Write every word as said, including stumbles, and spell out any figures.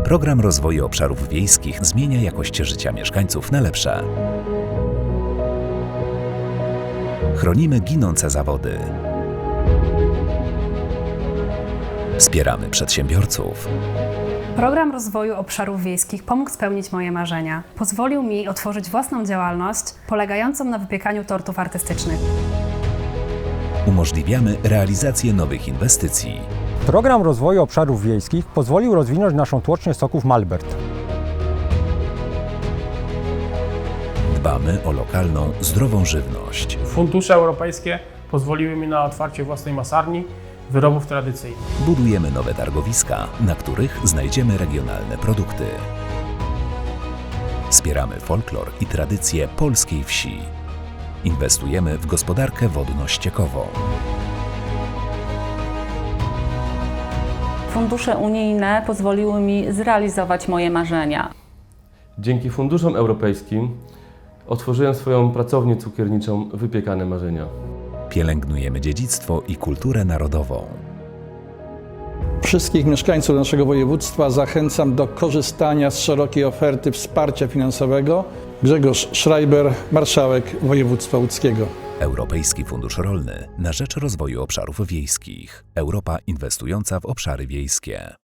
Program Rozwoju Obszarów Wiejskich zmienia jakość życia mieszkańców na lepsze. Chronimy ginące zawody. Wspieramy przedsiębiorców. Program Rozwoju Obszarów Wiejskich pomógł spełnić moje marzenia. Pozwolił mi otworzyć własną działalność polegającą na wypiekaniu tortów artystycznych. Umożliwiamy realizację nowych inwestycji. Program Rozwoju Obszarów Wiejskich pozwolił rozwinąć naszą tłocznię soków Malbert. Dbamy o lokalną, zdrową żywność. Fundusze europejskie pozwoliły mi na otwarcie własnej masarni wyrobów tradycyjnych. Budujemy nowe targowiska, na których znajdziemy regionalne produkty. Wspieramy folklor i tradycje polskiej wsi. Inwestujemy w gospodarkę wodno-ściekową. Fundusze unijne pozwoliły mi zrealizować moje marzenia. Dzięki funduszom europejskim otworzyłem swoją pracownię cukierniczą Wypiekane Marzenia. Pielęgnujemy dziedzictwo i kulturę narodową. Wszystkich mieszkańców naszego województwa zachęcam do korzystania z szerokiej oferty wsparcia finansowego. Grzegorz Schreiber, marszałek województwa łódzkiego. Europejski Fundusz Rolny na rzecz rozwoju obszarów wiejskich. Europa inwestująca w obszary wiejskie.